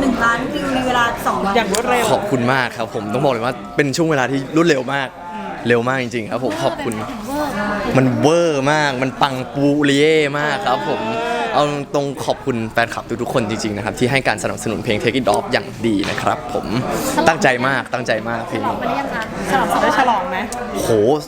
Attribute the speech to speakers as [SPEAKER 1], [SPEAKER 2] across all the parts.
[SPEAKER 1] 1 ล้านวิวในเวลา2 วัน
[SPEAKER 2] อย่างรวดเร็ว
[SPEAKER 3] ขอบคุณมากครับผมต้องบอกเลยว่าเป็นช่วงเวลาที่รวดเร็วมากเร็วมากจริงๆครับผมขอบคุณมันเวอร์มากมันปังปูเรียมากครับผมเอาตรงขอบคุณแฟนคลับทุกๆคนจริงๆนะครับที่ให้การสนับสนุนเพลง Take It Off อย่างดีนะครับผมตั้งใจมากเพลง
[SPEAKER 1] ฉลองไปได้ยังคะฉลอง
[SPEAKER 2] ได้ฉลองไหม
[SPEAKER 3] โห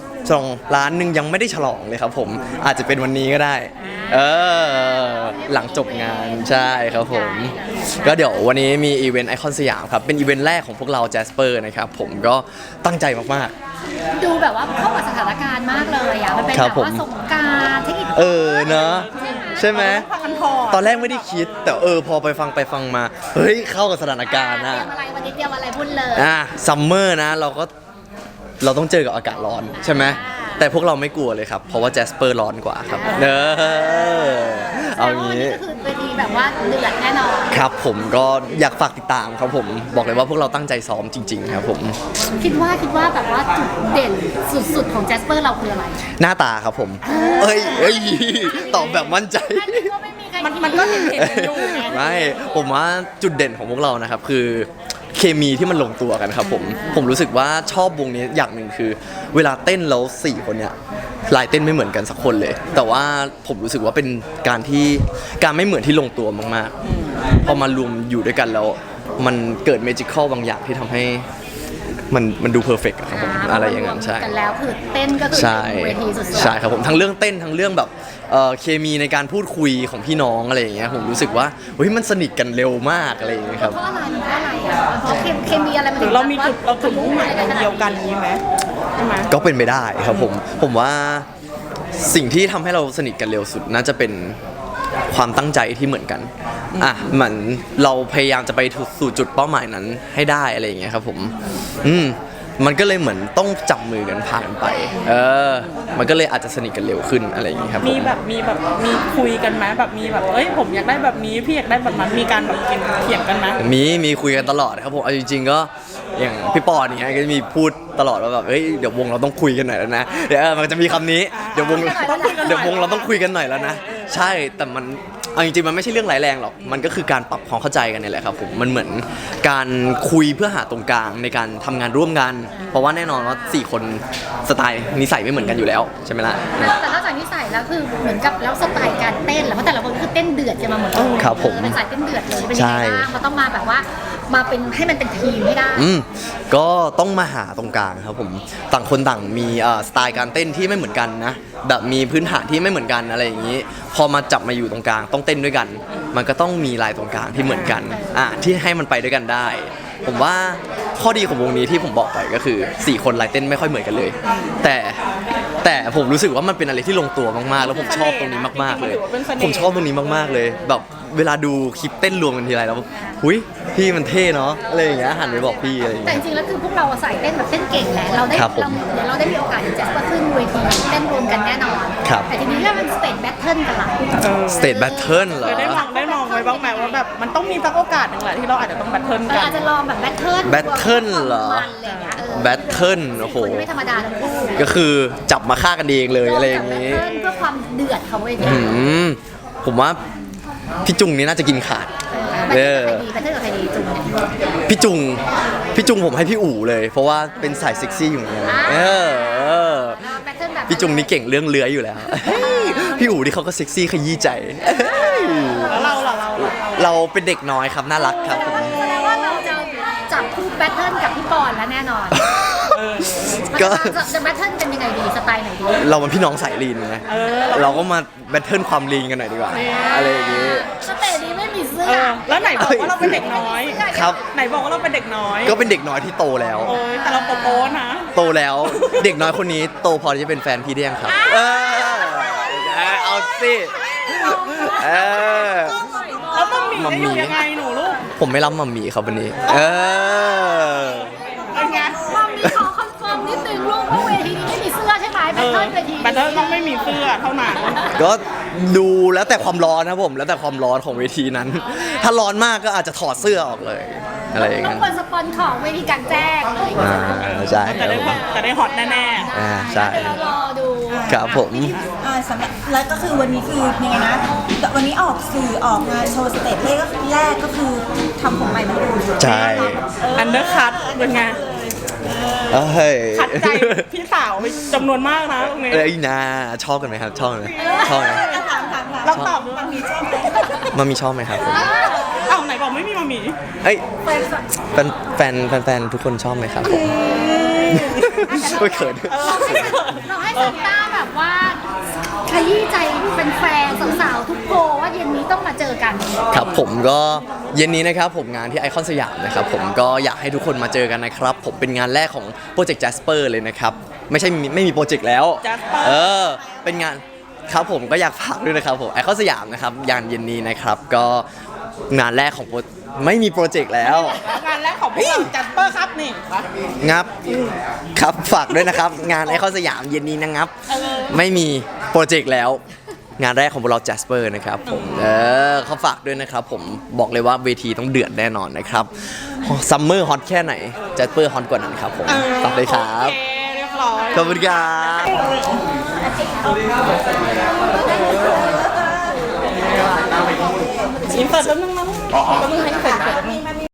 [SPEAKER 3] 2 ล้านหนึ่งยังไม่ได้ฉลองเลยครับผมอาจจะเป็นวันนี้ก็ได้หลังจบงานใช่ครับผมก็เดี๋ยววันนี้มีอีเวนต์ไอคอนสยามครับเป็นอีเวนต์แรกของพวกเราแจสเปอร์นะครับผมก็ตั้งใจมาก
[SPEAKER 1] ดูแบบว่าเข้ากับสถานการณ์มากเลยอ่ะมันเป็นแบบว่าสงกรานต์เทคนิค
[SPEAKER 3] เนอะใช่ไหมตอนแรกไม่ได้คิดแต่พอไปฟังมาเฮ้ยเข้ากับสถานการณ์นะ
[SPEAKER 1] เตรียมอะไรวันนี้เตรียมอะไรพูดเลย
[SPEAKER 3] ซัมเมอร์นะเราต้องเจอกับอากาศร้อนใช่ไหมแต่พวกเราไม่กลัวเลยครับเพราะว่าแจสเปอร์ร้อนกว่าครับเอางี้
[SPEAKER 1] ก็คือเวทีแบบว่าเดือดแน่นอน
[SPEAKER 3] ครับผมก็อยากฝากติดตามครับผมบอกเลยว่าพวกเราตั้งใจซ้อมจริงๆครับผม
[SPEAKER 1] คิดว่าแบบว่าจุดเด่นสุดๆของแจสเปอร์เราคืออะไร
[SPEAKER 3] หน้าตาครับผมตอบแบบมั่นใจ
[SPEAKER 2] มันก็เห็นอยู่
[SPEAKER 3] ไม่ผมว่าจุดเด่นของพวกเรานะครับคือเคมีที่มันลงตัวกันครับผมรู้สึกว่าชอบวงนี้อย่างหนึ่งคือเวลาเต้นแล้ว4 คนเนี่ยลายเต้นไม่เหมือนกันสักคนเลยแต่ว่าผมรู้สึกว่าเป็นการไม่เหมือนที่ลงตัวมากๆพอมารวมอยู่ด้วยกันแล้วมันเกิดเมจิคอลบางอย่างที่ทำให้มันดูเพอร์เฟกต์ครับผมอะไรอย่างนั้นใช่
[SPEAKER 1] กันแล้วคือเต้นก็คือเวทีสุดๆ
[SPEAKER 3] ใช่ครับผมทั้งเรื่องเต้นทั้งเรื่องแบบเคมีในการพูดคุยของพี่น้องอะไรอย่างเงี้ยผมรู้สึกว่าเฮ้ยมันสนิทกันเร็วมากอะไรอย่างเงี้ยครับ
[SPEAKER 1] เพราะอะไรอ่ะเพราะเคมีอะไรมันถึง
[SPEAKER 2] เรามีจุดมุ่งหมายเดียวกันนี้ไหมใช่ไหม
[SPEAKER 3] ก็เป็นไปได้ครับผมว่าสิ่งที่ทำให้เราสนิทกันเร็วสุดน่าจะเป็นความตั้งใจที่เหมือนกันเหมือนเราพยายามจะไปสู่จุดเป้าหมายนั้นให้ได้อะไรอย่างเงี้ยครับผมมันก็เลยเหมือนต้องจับมือกันผ่านไปมันก็เลยอาจจะสนิทกันเร็วขึ้นอะไรอย่างเงี้ยครับ
[SPEAKER 2] มีคุยกันไหมแบบมีแบบผมอยากได้แบบนี้พี่อยากได้แบบนั้นมีการแบบเถียงกันไหม
[SPEAKER 3] มีคุยกันตลอดครับผมเอาจริงๆก็อย่างพี่ปอเนี่ยก็มีพูดตลอดว่าแบบเดี๋ยววงเราต้องคุยกันหน่อยแล้วนะเดี๋ยวมันจะมีคำนี้เดี๋ยววงเราต้องคุยกันหน่อยแล้วนะใช่แต่มันเอาจริงๆมันไม่ใช่เรื่องร้ายแรงหรอกมันก็คือการปรับความเข้าใจกันนี่แหละครับผมมันเหมือนการคุยเพื่อหาตรงกลางในการทำงานร่วมกันเพราะว่าแน่นอนว่า4 คนสไตล์นิสัยไม่เหมือนกันอยู่แล้วใช่ไหมล่ะ
[SPEAKER 1] แต่ถ้าจากนิสัยแล้วคือเหมือนกับแล้วสไตล์การเต้นแล้วเพราะแต่ละคนคือเต้นเดือดจะมาหมดเลย
[SPEAKER 3] ครับผม
[SPEAKER 1] เป็นสายเต้นเดือดเลยเป็นยังไงบ้างมันต้องมาแบบว่ามาเป็นให้มันเป็นทีมให้ได้
[SPEAKER 3] ก็ต้องมาหาตรงกลางครับผมต่างคนต่างมีสไตล์การเต้นที่ไม่เหมือนกันนะแบบมีพื้นฐานที่ไม่เหมือนกันอะไรอย่างนี้พอมาจับมาอยู่ตรงกลางต้องเต้นด้วยกันมันก็ต้องมีลายตรงกลางที่เหมือนกันที่ให้มันไปด้วยกันได้ผมว่าข้อดีของวงนี้ที่ผมบอกไปก็คือ4 คนลายเต้นไม่ค่อยเหมือนกันเลยแต่ผมรู้สึกว่ามันเป็นอะไรที่ลงตัวมากๆแล้วผมชอบตรงนี้มากๆเลยผมชอบตรงนี้มากๆเลยแบบเวลาดูคลิปเต้นรวมกันทีไรแล้วหุยพี่มันเท่เนาะอะไรอย่างเงี้ยหันไปบอกพี่อะไรอย่าง
[SPEAKER 1] เงี้ยแต่จริงๆแล้วคือพวกเราใส่เต้นแบบเต้นเก่งแหละเราได้มีโอกาสที่จะขึ้นเวทีเต้นรวมกันแน่นอนแต่ทีนี้ถ้ามันสเตจแบทเทิลกันล่ะ
[SPEAKER 3] สเตจแบทเทิลเหรอ
[SPEAKER 2] ได้มองไว้บ้างไหมว่าแบบมันต้องมีสักโอกาสหนึ่งแหละที่เราอาจจะต้องแบทเทิลกัน
[SPEAKER 1] อาจจะลองแบบแบทเทิล
[SPEAKER 3] เหรอแบทเทิลโอ้โห
[SPEAKER 1] ไม่ธรรมดาทั้งคู่
[SPEAKER 3] ก็คือจับมาฆ่ากันเองเลยอะไรอย่าง
[SPEAKER 1] งี้เพื่อความเดือดของเวที
[SPEAKER 3] ผมว่าพี่จุงนี่น่าจะกินขาด
[SPEAKER 1] แบทเทิลกับใครดีจุงเนี่ย
[SPEAKER 3] พี่จุงผมให้พี่อู๋เลยเพราะว่าเป็นสายเซ็กซี่อยู่เนี่ยพี่จุงนี่เก่งเรื่องเลื้อยอยู่แล้วพี่อู๋ที่เขาก็เซ็กซี่ขยี้ใจ
[SPEAKER 2] แล้ว
[SPEAKER 3] เราเป็นเด็กน้อยครับน่ารักครับ
[SPEAKER 1] แสดงว่าเราจะจับคู่แบทเทิลกับพี่ปอนแล้วแน่นอนก็จะแบทเทิลเป็นยังไงดีสไตล์ไหนดี
[SPEAKER 3] เราเป็นพี่น้องสายลีนไงเราก็มาแบทเทิลความลีนกันหน่อยดีกว่าอะไรอย่างงี้
[SPEAKER 1] สเตจนี้ไม่มีเสื้อ
[SPEAKER 2] แล้วไหนบอกว่าเราเป็นเด็กน้อย
[SPEAKER 3] ครับ
[SPEAKER 2] ไหนบอกว่าเราเป็นเด็กน้อย
[SPEAKER 3] ก็เป็นเด็กน้อยที่โตแล้ว
[SPEAKER 2] แต่เราโตนะ
[SPEAKER 3] โตแล้วเด็กน้อยคนนี้โตพอที่จะเป็นแฟนพี่ได้ยังครับเอาสิ
[SPEAKER 2] แล้วมัมมี่จะอยู่ยังไงหนูลูก
[SPEAKER 3] ผมไม่รับมัมมี่ครับวันนี้
[SPEAKER 2] เป็นไง
[SPEAKER 1] มัมมี่ขอคอนเฟิร์มนิดนึงลูกว่าเวทีนี้ไม่มีเสื้อใช่ไหมแบทเทิลเวที
[SPEAKER 2] แบทเทิลต้องไม่มีเสื้อเท่านั้น
[SPEAKER 3] ก็ดูแล้วแต่ความร้อนนะผมแล้วแต่ความร้อนของเวทีนั้นถ้าร้อนมากก็อาจจะถอดเสื้อออกเลยอะไรอย่าง
[SPEAKER 1] ต้อ
[SPEAKER 3] นั้
[SPEAKER 1] ง
[SPEAKER 3] น
[SPEAKER 1] ควรสปอนของเวทีกลางแจ้งเลย
[SPEAKER 3] ใช่
[SPEAKER 2] จะได้ฮอตแน่
[SPEAKER 3] ใช่
[SPEAKER 1] เดี๋ยวเรารอดู
[SPEAKER 3] ครับผม
[SPEAKER 4] สำหรับแล้วก็คือวันนี้คือยังไงนะวันนี้ออกสื่อออกงานโชว์สเตจแรกก็คือทำผมใหม่มาดู
[SPEAKER 3] ใช่
[SPEAKER 2] ๆอันเดอร์คัทเป็นไง
[SPEAKER 3] เฮ้ย
[SPEAKER 2] ขัดใจพี่สาวไปจำนวนมากนะตรงนี้
[SPEAKER 3] เอ้ยนาชอบกันไหมครับ ชอบไหมชอบไหม
[SPEAKER 4] ถาม
[SPEAKER 2] เราตอบดู
[SPEAKER 4] มันมีชอบไหม
[SPEAKER 3] มามีชอบไหมครับผม
[SPEAKER 2] เอ้าไหนบอกไม่มีมามี
[SPEAKER 3] เอ้ยแฟนทุกคนชอบไหมครับผมไม่เขิน
[SPEAKER 1] เราให้ซันต้าแบบว่าขยี้ใจเป็นแฟนๆสาวๆทุกโพลว่าเย็นนี้ต้องมาเจอกัน
[SPEAKER 3] ครับผมก็เย็นนี้นะครับผมงานที่ไอคอนสยามนะครับผมก็อยากให้ทุกคนมาเจอกันนะครับ ผมเป็นงานแรกของโปรเจกต์ Jasper เลยนะครับไม่มีโปรเจกต์แล้ว
[SPEAKER 2] Jasper
[SPEAKER 3] เป็นงานครับผมก็อยากฝากด้วยนะครับผมไอคอนสยามนะครับงานเย็นนี้นะครับก็งานแรกของไม่มีโปรเจกต์แล้ว
[SPEAKER 2] งานแรกของพวกเราจัสเปอร์ครับนี่
[SPEAKER 3] งับครับฝากด้วยนะครับ งานไอคอนสยามเย็นนี้นะครับ ไม่มีโปรเจกต์แล้ว งานแรกของพวกเรา Jasper นะครับผมเขาฝากด้วยนะครับผมบอกเลยว่าเวทีต้องเดือดแน่นอนนะครับซัมเมอร์ฮอตแค่ไหน Jasper ฮอตกว่านั้นครับผมฝากเลยครับ
[SPEAKER 2] โอเคเรียบร้อย
[SPEAKER 3] ขอบคุณครับ
[SPEAKER 2] อินเสิร์ตแป๊บนึงนะแป๊บนึงให้